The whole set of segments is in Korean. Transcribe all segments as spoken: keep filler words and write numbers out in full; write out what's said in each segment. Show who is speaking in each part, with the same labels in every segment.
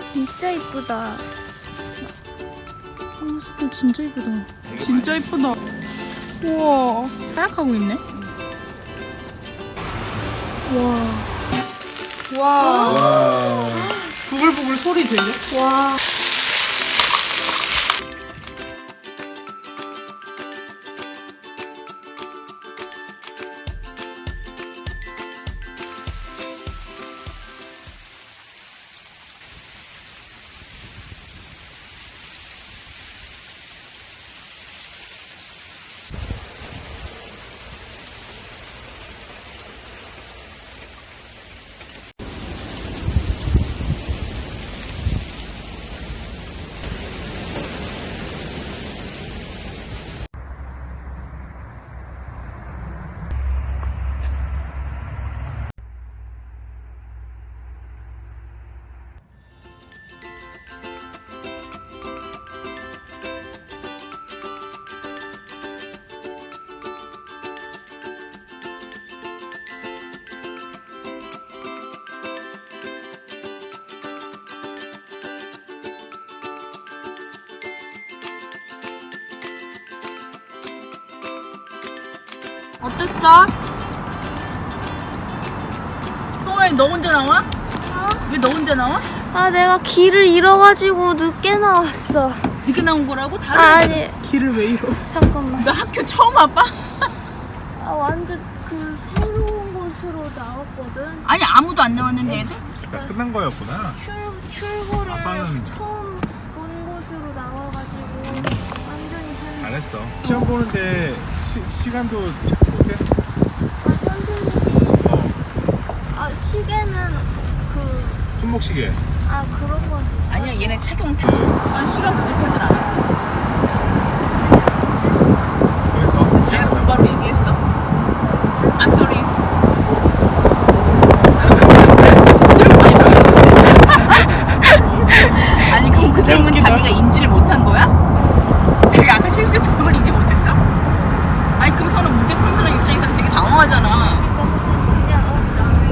Speaker 1: 진짜 이쁘다.
Speaker 2: 아, 숲도 진짜 이쁘다. 진짜 이쁘다. 우와, 하얗하고 있네. 와. 와.
Speaker 3: 와.
Speaker 2: 부글부글 소리 들려?
Speaker 1: 와.
Speaker 2: 어땠어? 송아이 너 혼자 나와?
Speaker 1: 어?
Speaker 2: 왜 너 혼자 나와?
Speaker 1: 아, 내가 길을 잃어가지고 늦게 나왔어.
Speaker 2: 늦게 나온 거라고? 다른
Speaker 1: 아, 아니,
Speaker 2: 길을 왜 잃어?
Speaker 1: 잠깐만.
Speaker 2: 너 학교 처음 와봐?
Speaker 1: 아, 완전 그 새로운 곳으로 나왔거든.
Speaker 2: 아니 아무도 안 나왔는데 애들?
Speaker 3: 야, 끝난 거였구나.
Speaker 1: 출, 출구를
Speaker 3: 아빠는
Speaker 1: 처음 본 곳으로 나와가지고 완전히 한...
Speaker 3: 잘했어. 시험 보는데 시, 시간도 착복해?
Speaker 1: 아, 선생님이...
Speaker 3: 어.
Speaker 1: 아, 시계는 그...
Speaker 3: 손목시계.
Speaker 1: 아, 그런 건...
Speaker 2: 아니야 얘네 착용 난 시간 부족하진 않아.
Speaker 3: 그래서
Speaker 2: 자기가 곧바로 얘기했어. I'm sorry. 진짜 맛있어. 아니 그럼 그 점은
Speaker 4: 웃기다.
Speaker 2: 자기가 인지를 못한 거야? 자기가 아까 실수했던 걸 인지 못했어? 아니 그 사람 문제 푸는 사람 입장에서는 되게 당황하잖아.
Speaker 1: 그냥 어,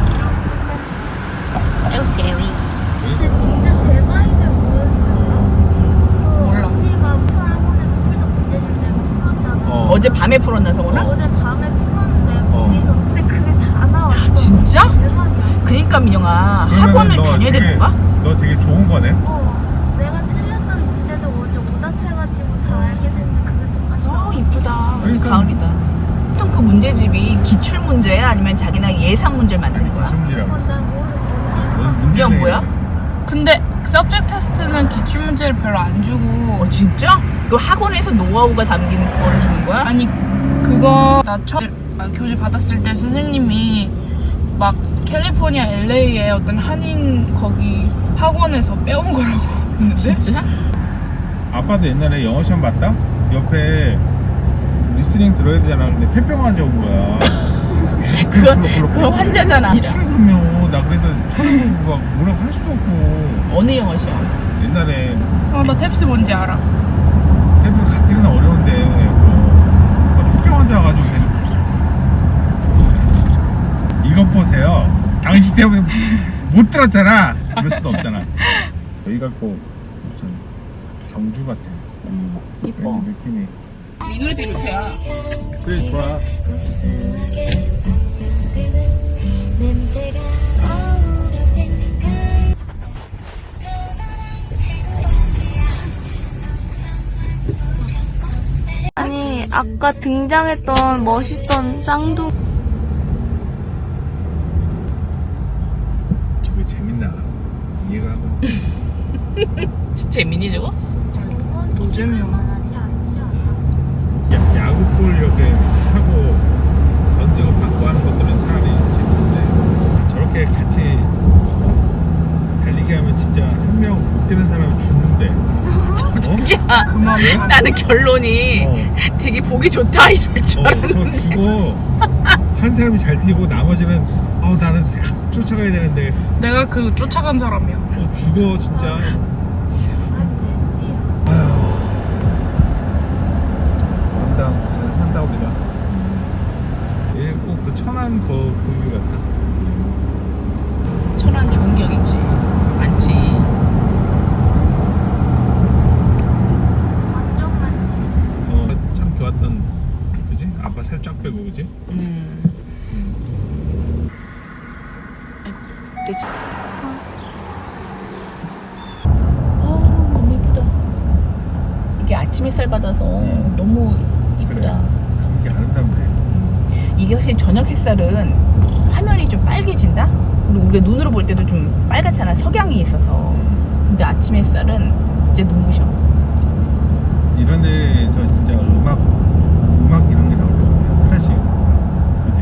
Speaker 1: sorry.
Speaker 2: Oh sorry.
Speaker 1: 근데 진짜 대박이들 뭐였지 알아? 그
Speaker 2: 몰라.
Speaker 1: 언니가 학원에서 풀던 문제집 내가 풀었다가
Speaker 3: 어.
Speaker 2: 어제 밤에 풀었나 성훈아?
Speaker 1: 어제 밤에 풀었는데
Speaker 3: 어.
Speaker 1: 거기서 근데 그게 다 나왔어.
Speaker 2: 진짜?
Speaker 1: 대박이야.
Speaker 2: 그니까 민영아
Speaker 3: 그러면은
Speaker 2: 학원을
Speaker 3: 너
Speaker 2: 다녀야
Speaker 3: 되게-
Speaker 2: 되는 건가?
Speaker 3: 너 되게 좋은 거네.
Speaker 1: 어, 내가 틀렸던 문제도 어제 오답해가지고 다 알게 됐는데 그게 똑같이
Speaker 2: 어
Speaker 1: 나왔어.
Speaker 2: 이쁘다. 완전
Speaker 3: 그러니까-
Speaker 2: 가을이다. 보통 그 문제집이 기출 문제야 아니면 자기나 예상 문제를 만든 거야?
Speaker 3: 기출문제라고
Speaker 1: 그건
Speaker 3: 했어.
Speaker 1: 난 모르겠어.
Speaker 3: 넌
Speaker 1: 언니가
Speaker 3: 문제
Speaker 2: 이건 뭐야?
Speaker 4: 근데 서브젝트 테스트는 기출 문제를 별로 안 주고
Speaker 2: 어 진짜? 그 학원에서 노하우가 담긴 그거를 주는 거야?
Speaker 4: 아니 그거 나 처음 아, 교재 받았을 때 선생님이 막 캘리포니아 엘에이에 어떤 한인 거기 학원에서 빼온 거라고 했는데
Speaker 2: 진짜?
Speaker 3: 아빠도 옛날에 영어 시험 봤다? 옆에 리스닝 들어야 되잖아. 근데 폐병 환자 온 거야.
Speaker 2: 그건 그건 환자잖아.
Speaker 3: 그러면 나 그래서 쳐다보고 막 뭐라고 할 수도 없고.
Speaker 2: 어느 영어 시험?
Speaker 3: 옛날에
Speaker 4: 어, 나 탭스 뭔지 알아.
Speaker 3: 폐병 가뜩이나 어려운데 뭐 폐병 환자 와가지고 계속 이것 보세요. 당신 때문에 못 들었잖아. 그럴 수도 없잖아. 여기가 꼭 무슨 경주 같아.
Speaker 2: 음, 이뻐.
Speaker 3: 그런 느낌이.
Speaker 2: 이 노래도 이렇게야.
Speaker 3: 그래 좋아.
Speaker 1: 아니 아까 등장했던 멋있던 쌍둥
Speaker 3: 저게 재밌나? 이해가 하고.
Speaker 2: 진짜 재민이 저거?
Speaker 4: 노잼이야.
Speaker 1: 만하지 않지 않아?
Speaker 3: 야, 야구볼 이렇게 하고 던지고 받고 하는 것들은 차라리 재밌는데 저렇게 같이 어? 달리기 하면 진짜 한 명 못 뛰는 사람은 죽는데. 어?
Speaker 2: 저기야.
Speaker 4: 그만.
Speaker 2: 나는 결론이
Speaker 3: 어.
Speaker 2: 되게 보기 좋다 이럴 줄
Speaker 3: 어, 저
Speaker 2: 알았는데.
Speaker 3: 죽어. 한 사람이 잘 뛰고 나머지는 아우 나는 쫓아가야 되는데
Speaker 4: 내가 그 쫓아간 사람이야.
Speaker 3: 어, 죽어 진짜. 아휴. 산다 무슨 산다 우리가. 얘꼭 그 천안 거 거기 같다.
Speaker 2: 천안 좋은 격 있지. 많지. 그때 지- 어, 너무 이쁘다. 이게 아침 햇살 받아서 너무 이쁘다.
Speaker 3: 이게 아름답네.
Speaker 2: 이게 확실히 저녁 햇살은 화면이 좀 빨개진다? 그리고 우리가 눈으로 볼 때도 좀 빨갛잖아. 석양이 있어서. 근데 아침 햇살은 이제 눈부셔.
Speaker 3: 이런 데서 진짜 음악 음악 이런 게 나올 것 같아요. 클래식. 그지?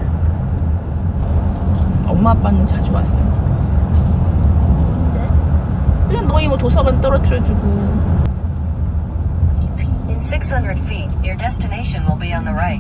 Speaker 2: 엄마 아빠는 자주 왔어. 그냥 너희 뭐 도서관 떨어뜨려주고. 잎이.
Speaker 5: In six hundred feet, your destination will be on the right.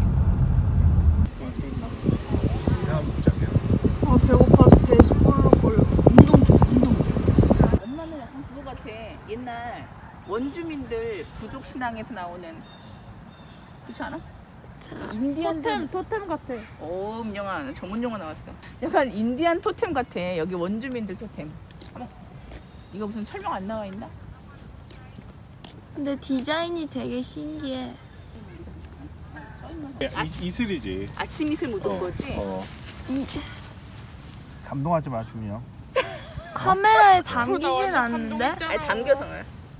Speaker 3: 이상한 복장이야.
Speaker 4: 아 배고파서 배에서 꼴록꼴록.
Speaker 2: 운동 좀, 운동 좀. 엄마는 약간 그거 같아. 옛날 원주민들 부족 신앙에서 나오는 그렇지 않아? 인디안들
Speaker 4: 토템 같아.
Speaker 2: 오, 민영아 전문 용어 나왔어. 약간 인디안 토템 같아. 여기 원주민들 토템. 어머, 이거 무슨 설명 안 나와 있나?
Speaker 1: 근데 디자인이 되게 신기해.
Speaker 3: 이, 이슬이지.
Speaker 2: 아침 이슬 묻은 거지?
Speaker 3: 어.
Speaker 1: 이
Speaker 3: 감동하지 마, 준영.
Speaker 1: 카메라에 담기진 않는데?
Speaker 2: 아니 담겨서 그래.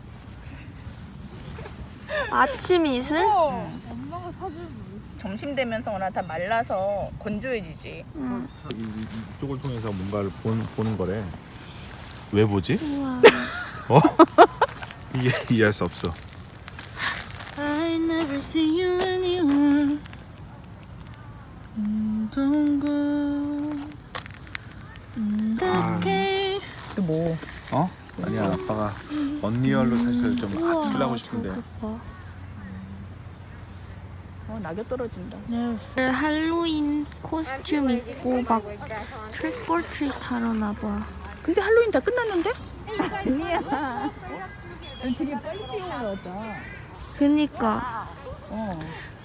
Speaker 1: 아침 이슬?
Speaker 4: 엄마가 사준.
Speaker 2: 점심 되면서나 다 말라서 건조해지지.
Speaker 1: 응.
Speaker 3: 이, 이, 이쪽을 통해서 뭔가를 본, 보는 거래. 왜 보지?
Speaker 1: 우와.
Speaker 3: 어? 이해 이해할 수 없어.
Speaker 1: I never see you anywhere. Don't go.
Speaker 3: 아.
Speaker 1: Okay.
Speaker 2: 또 뭐?
Speaker 3: 어? 아니야, 아빠가 언리얼로 사실 좀 아틀라고 싶은데.
Speaker 1: 봐.
Speaker 2: 어, 낙엽 떨어진다.
Speaker 1: 할로윈 코스튬 입고 막 트릭올트릿 하러 나봐.
Speaker 2: 근데 할로윈 다 끝났는데? 아니야. 되게 빨리 피우려다.
Speaker 1: 그니까
Speaker 2: 어.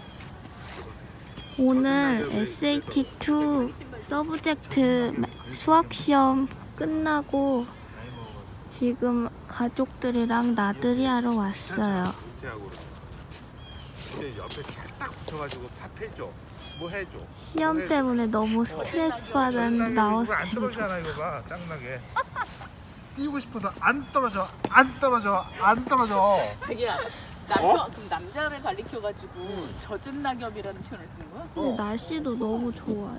Speaker 1: 오늘 에스에이티 투 서브젝트 수학 시험 끝나고 지금 가족들이랑 나들이 하러 왔어요.
Speaker 3: 옆에 딱 붙여가지고 밥 해줘. 뭐 해줘.
Speaker 1: 시험 때문에 너무 스트레스 받았는데 나와서
Speaker 3: 안
Speaker 1: 되게
Speaker 3: 떨어지잖아, 이거 봐, 짱나게. 뛰고 싶어서 안 떨어져, 안 떨어져, 안 떨어져.
Speaker 2: 자기야, 남편, 그럼 남자를 가리켜가지고 젖은 낙엽이라는 표현을 쓰는 거야?
Speaker 1: 근데 날씨도 너무 좋아요.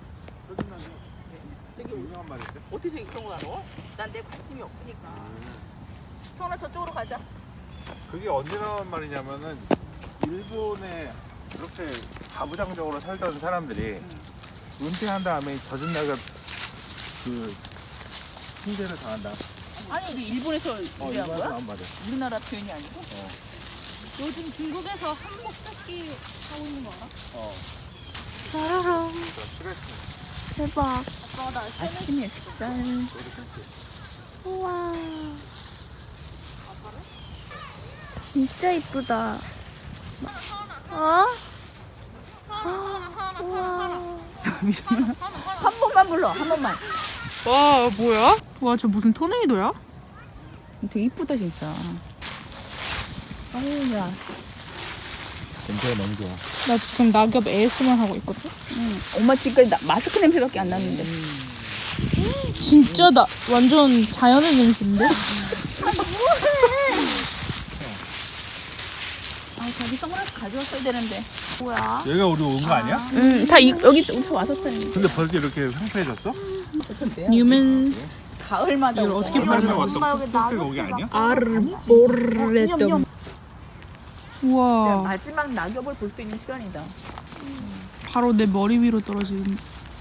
Speaker 2: 되게
Speaker 3: 유명한 말인데.
Speaker 2: 어떻게 저기 그런 걸 알아? 난 내 관심이 없으니까. 성아 저쪽으로 가자.
Speaker 3: 그게 언제 나온 말이냐면은 일본에 이렇게 가부장적으로 살던 사람들이 은퇴한 다음에 젖은 낙엽 그 흉대를 당한다.
Speaker 2: 아니, 우리 일본에서
Speaker 3: 어,
Speaker 2: 유래한
Speaker 3: 일본에서
Speaker 2: 거야?
Speaker 3: 나온 말이야.
Speaker 2: 우리나라 표현이 아니고?
Speaker 1: 요즘 중국에서 한복 뜯기 하고 있는 거 알아?
Speaker 3: 어,
Speaker 1: 짜라랑
Speaker 3: 저 스트레스.
Speaker 1: 대박.
Speaker 2: 아침 햇살.
Speaker 1: 우와. 진짜 이쁘다. 어? 아, 우와.
Speaker 2: 한 번만 불러, 한 번만.
Speaker 4: 와 뭐야? 와 저 무슨 토네이도야?
Speaker 2: 되게 이쁘다, 진짜. 아유, 야.
Speaker 3: 냄새가 너무 좋아.
Speaker 4: 나 지금 낙엽 에이에스엠알 하고 있거든.
Speaker 2: 응. 엄마 지금까지 나, 마스크 냄새밖에 안 났는데.
Speaker 4: 진짜 나 완전 자연의 냄새인데?
Speaker 2: 아, 자기 선글라스 가져왔어야 되는데.
Speaker 1: 뭐야?
Speaker 3: 여기가 우리 온 거 아니야?
Speaker 2: 응, 다 이, 여기 여기서 왔었어요.
Speaker 3: 근데 벌써 이렇게 횡패해졌어?
Speaker 2: 어떤데요?
Speaker 4: 뉴맨
Speaker 2: 가을마다
Speaker 4: 이걸
Speaker 2: 오고.
Speaker 4: 어떻게
Speaker 3: 얼마 전에
Speaker 4: 엄마
Speaker 3: 왔던
Speaker 1: 여기
Speaker 3: 푸드가
Speaker 1: 나도
Speaker 3: 여기 아니야?
Speaker 4: 아르보레tom. 우와
Speaker 2: 마지막 낙엽을 볼 수 있는 시간이다.
Speaker 4: 바로 내 머리 위로 떨어지는.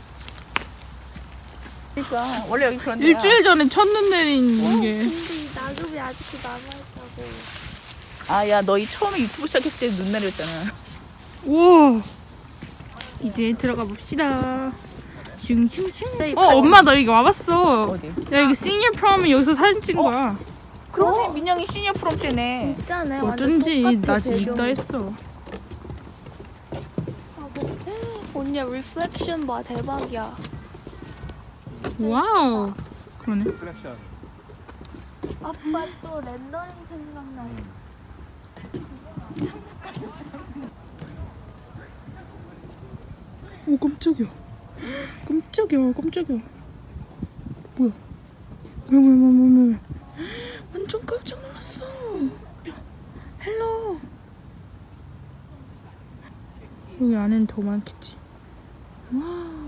Speaker 2: 그러니까 원래 여기 그런 데야.
Speaker 4: 일주일 전에 첫눈 내린 게.
Speaker 1: 근데 이 낙엽이 아직도 남아있다고.
Speaker 2: 아, 야, 너희 처음에 유튜브 시작했을 때 눈 내렸잖아.
Speaker 4: 우와 이제 들어가 봅시다. 슝슝슝. 어
Speaker 1: 어,
Speaker 4: 엄마 나 여기 와봤어.
Speaker 2: 어디?
Speaker 4: 야 이거 시니어 프롬은 여기서 사진 찍은 거야.
Speaker 2: 그러네, 민영이 시니어 프롬 때네.
Speaker 1: 진짜네. 완전
Speaker 4: 어쩐지
Speaker 1: 똑같아,
Speaker 4: 나 지금
Speaker 1: 배경이.
Speaker 4: 있다 했어.
Speaker 1: 언니 리플렉션 봐, 대박이야.
Speaker 4: 와우 그러네.
Speaker 3: 컬렉션.
Speaker 1: 아빠 또 렌더링 생각나.
Speaker 4: 오 깜짝이야. 깜짝이야 깜짝이야. 뭐야? 뭐야 뭐야 뭐야 뭐야 완전 깜짝 놀랐어. 헬로. 여기 안에는 더 많겠지. 와.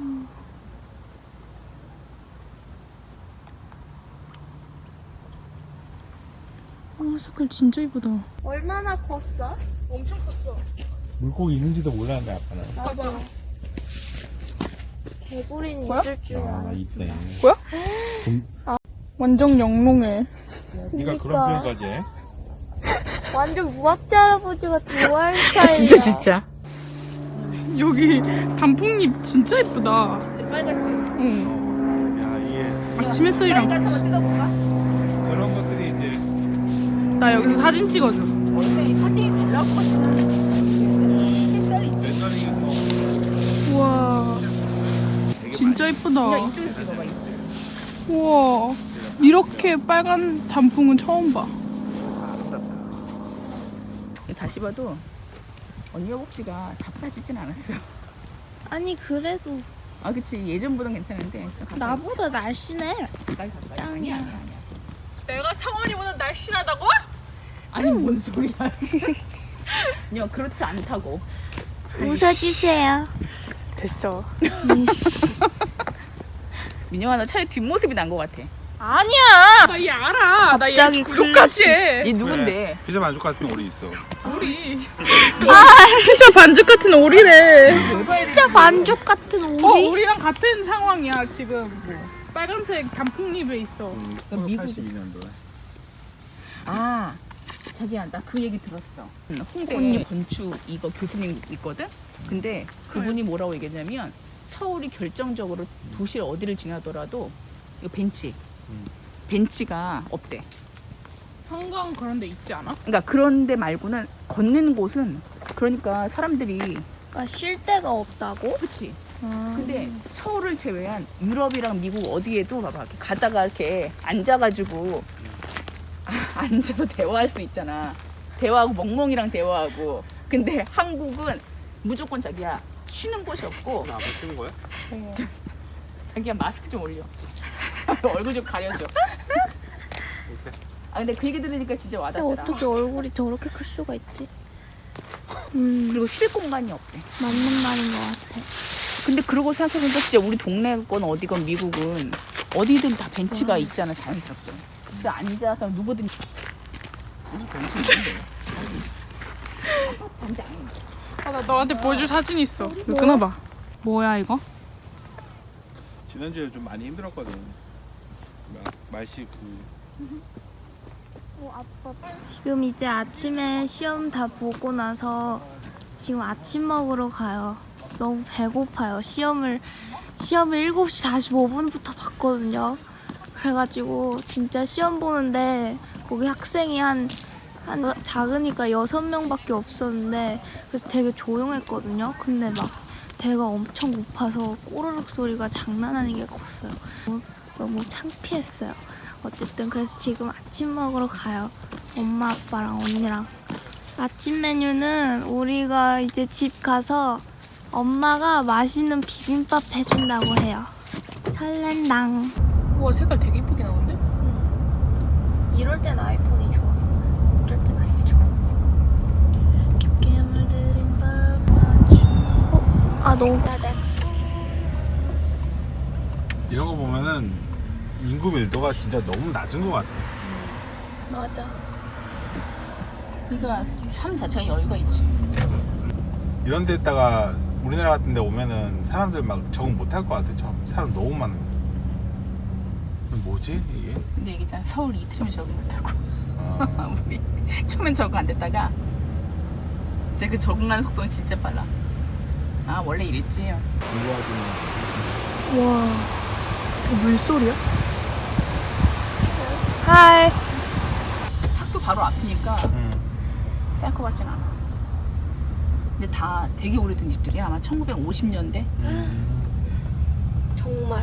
Speaker 4: 와 색깔 진짜 이쁘다.
Speaker 1: 얼마나 컸어?
Speaker 4: 엄청 컸어.
Speaker 3: 물고기 있는지도 몰랐네 아빠는.
Speaker 4: 봐봐.
Speaker 1: 개구리는
Speaker 4: 뭐야?
Speaker 1: 있을 줄
Speaker 3: 아
Speaker 1: 알았어.
Speaker 3: 있네.
Speaker 4: 뭐야?
Speaker 3: 좀-
Speaker 4: 완전 영롱해.
Speaker 3: 네가 그런
Speaker 1: 그러니까.
Speaker 3: 표현까지 해?
Speaker 1: 완전 무학대 할아버지 같은 노알 스타일이야.
Speaker 2: 진짜 진짜.
Speaker 4: 여기 단풍잎 진짜 예쁘다.
Speaker 2: 진짜 빨갛지.
Speaker 4: 응.
Speaker 3: 어, 야 이게
Speaker 4: 아침 햇살이랑
Speaker 2: 빨갛
Speaker 4: 같이.
Speaker 2: 한번 뜯어볼까?
Speaker 3: 저런 것들이 이제
Speaker 4: 나 여기서 사진 찍어줘.
Speaker 2: 원래 이 사진이 잘 나올 것 같아. 색깔이 있-
Speaker 3: 뱃살이에서
Speaker 4: 우와.
Speaker 3: 되게
Speaker 4: 진짜
Speaker 3: 많이
Speaker 4: 예쁘다.
Speaker 2: 그냥 이쪽에서 찍어봐. 이쪽.
Speaker 4: 우와. 이렇게 빨간 단풍은 처음 봐.
Speaker 2: 다시 봐도 언니 허벅지가 다 빠지진 않았어.
Speaker 1: 아니 그래도
Speaker 2: 아 그치 예전보단 괜찮은데 좀 가까이.
Speaker 1: 나보다 날씬해.
Speaker 2: 가까이 가까이.
Speaker 1: 짱이야.
Speaker 2: 아니야 아니야 아니야.
Speaker 4: 내가 상원이보다 날씬하다고?
Speaker 2: 아니 뭔 소리야. 야 그렇지 않다고.
Speaker 1: 웃어주세요.
Speaker 4: 됐어.
Speaker 2: 민영아 너 차라리 뒷모습이 난 것 같아.
Speaker 4: 아니야. 나 얘 알아. 나
Speaker 1: 갑자기
Speaker 4: 얘 구독까지 해.
Speaker 2: 얘 누군데?
Speaker 3: 피자 만족 같은 오리 있어.
Speaker 4: 오리. 진짜 반죽 같은 오리래.
Speaker 1: 진짜 만족 같은 오리.
Speaker 4: 어, 우리랑 같은 상황이야 지금. 빨간색 단풍잎에 있어.
Speaker 2: 미국-
Speaker 3: 팔십이 년도에.
Speaker 2: 아 자기야 나 그 얘기 들었어. 홍대 건축 이거 교수님 있거든. 근데 그분이 뭐라고 얘기했냐면 서울이 결정적으로 도시를 어디를 지나더라도 이거 벤치
Speaker 3: 음.
Speaker 2: 벤치가 없대.
Speaker 4: 한강 그런 데 있지 않아?
Speaker 2: 그러니까 그런 데 말고는 걷는 곳은 그러니까 사람들이
Speaker 1: 아, 쉴 데가 없다고?
Speaker 2: 그치.
Speaker 1: 아.
Speaker 2: 근데 서울을 제외한 유럽이랑 미국 어디에도 봐봐 이렇게 가다가 이렇게 앉아가지고 아, 앉아서 대화할 수 있잖아. 대화하고 멍멍이랑 대화하고. 근데 한국은 무조건 자기야 쉬는 곳이 없고
Speaker 3: 아빠 찍은 거야?
Speaker 2: 자기야 마스크 좀 올려. 얼굴 좀 가려줘. 아 근데 그 얘기 들으니까 진짜
Speaker 1: 진짜
Speaker 2: 와닿더라.
Speaker 1: 어떻게 얼굴이 저렇게 클 수가 있지? 음,
Speaker 2: 그리고 쉴 공간이 없대.
Speaker 1: 맞는 말인 것 같아.
Speaker 2: 근데 그러고 생각해보니까 진짜 우리 동네건 어디건 미국은 어디든 다 벤치가 있잖아 자연스럽게. 근데 앉아서 누구든 아파트 아니야.
Speaker 4: 아, 나 너한테 보여줄 사진 있어. 이거 끊어봐. 뭐야 이거?
Speaker 3: 지난주에 좀 많이 힘들었거든. 막 말씨 그
Speaker 1: 지금 이제 아침에 시험 다 보고 나서 지금 아침 먹으러 가요. 너무 배고파요. 시험을 시험을 일곱 시 사십오 분부터 봤거든요. 그래가지고 진짜 시험 보는데 거기 학생이 한, 한 작으니까 여섯 명밖에 없었는데 그래서 되게 조용했거든요. 근데 막 배가 엄청 고파서 꼬르륵 소리가 장난 아니게 컸어요. 너무, 너무 창피했어요. 어쨌든 그래서 지금 아침 먹으러 가요. 엄마 아빠랑 언니랑. 아침 메뉴는 우리가 이제 집 가서 엄마가 맛있는 비빔밥 해준다고 해요. 설렌당.
Speaker 4: 우와 색깔 되게 이쁘게 나오는데?
Speaker 1: 이럴 땐 아이폰이 좋아. 어쩔 땐 안 좋아. 깊게 물들인 밥 맞춤. 어? 아 너무
Speaker 3: 이런 거 보면은 인구 밀도가 진짜 너무 낮은 것 같아.
Speaker 1: 맞아.
Speaker 2: 그러니까 삶 자체가 여유가 있지.
Speaker 3: 이런 데다가 우리나라 같은 데 오면은 사람들 막 적응 못 할 것 같아. 처음 사람 너무 많은 거. 뭐지 이게?
Speaker 2: 근데 얘기잖아 서울 이틀이면 적응 못하고.
Speaker 3: 아,
Speaker 2: 우리 처음엔 적응 안 됐다가 이제 그 적응하는 속도는 진짜 빨라. 아 원래 이랬지.
Speaker 3: 공부하지만
Speaker 1: 와.
Speaker 4: 이거 물소리야?
Speaker 1: 하이.
Speaker 2: 학교 바로 앞이니까
Speaker 3: 응.
Speaker 2: 쌀 것 같진 않아. 근데 다 되게 오래된 집들이야. 아마 천구백오십 년대.
Speaker 3: 음.
Speaker 1: 정말.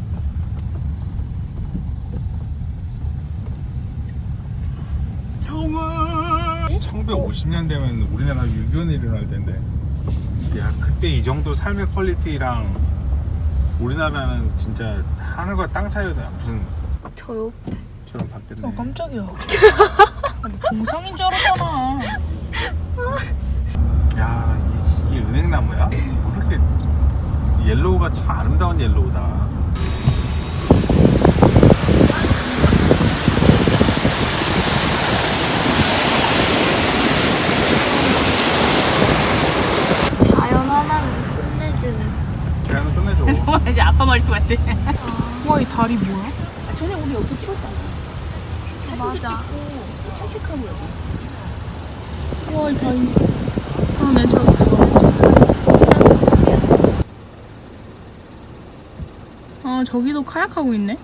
Speaker 3: 정말 천구백오십 년대면 우리나라 유교는 일어날 텐데. 야 그때 이 정도 삶의 퀄리티랑 우리나라는 진짜 하늘과 땅 차이다. 무슨
Speaker 1: 저 옆에.
Speaker 3: 저랑 바뀌었네.
Speaker 4: 어 깜짝이야. 아, 나 동상인 줄 알았잖아.
Speaker 3: 야, 이, 이 은행나무야? 뭐 이렇게 옐로우가 참 아름다운 옐로우다.
Speaker 1: 자연 하나는 끝내주는.
Speaker 3: 그냥 끝내줘.
Speaker 2: 이제 아빠 말투 같아.
Speaker 4: 와 이 다리 뭐야?
Speaker 2: 전에 우리 여기 찍었잖아.
Speaker 1: 맞아.
Speaker 2: 산책하고 여기.
Speaker 4: 와 이 다리. 아내 저거 그거. 아 저기도 카약하고 있네.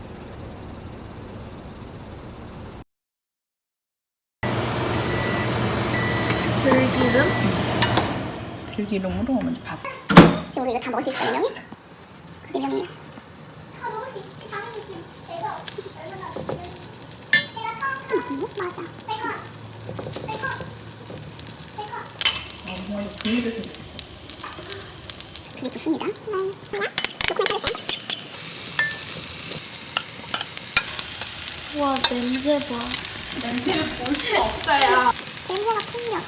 Speaker 1: 들기름?
Speaker 2: 들기름으로 먼저 밥.
Speaker 6: 지금 우리 이거 다 먹을 수 있어, 네 명이? 네 명이. 그게 좋습니다.
Speaker 1: 와 냄새 봐.
Speaker 2: 냄새를 볼 수 없어요.
Speaker 6: 냄새가 풍겨.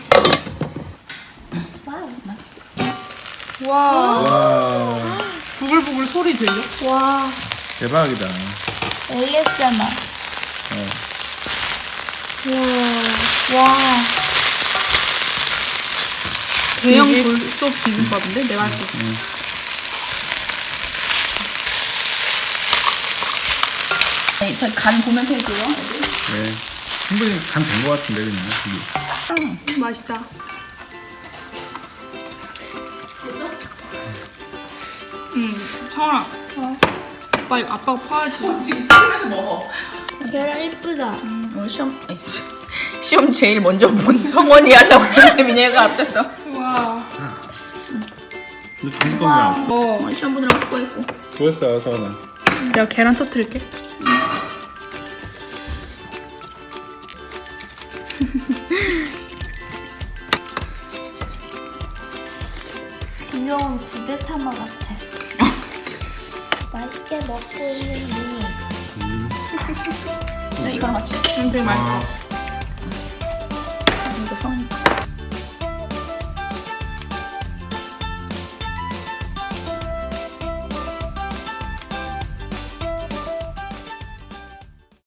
Speaker 4: 와
Speaker 3: 와,
Speaker 4: 부글부글 소리 들려?
Speaker 1: 와
Speaker 3: 대박이다.
Speaker 1: 에이에스엠알.
Speaker 3: 어.
Speaker 1: 와. 와.
Speaker 4: 대형 불소 비빔밥인데 내가 할 수 있어.
Speaker 2: 네, 저 간 보면 되고요.
Speaker 3: 네. 충분히 간 된 것 같은데, 그냥. 이게.
Speaker 4: 맛있다. 응, 성아. 아빠 이거 아빠가 파야지.
Speaker 2: 지금 찍으면서 먹어.
Speaker 1: 계란 이쁘다.
Speaker 2: 오늘 시험 아니, 시험 제일 먼저 본 성원이 하려고 했는데 민혜가 앞섰어.
Speaker 4: 와.
Speaker 3: 너 중국 거냐?
Speaker 2: 어, 시험 보느라고 수고했고.
Speaker 3: 수고했어, 서원아.
Speaker 4: 내가 계란 터뜨릴게.
Speaker 1: 귀여운 구데타마 같아. 맛있게 먹고 있는 니.
Speaker 2: 자, 이거랑 같이.
Speaker 4: 응, 되게 맛있어.
Speaker 3: 아,
Speaker 2: 이거 성원.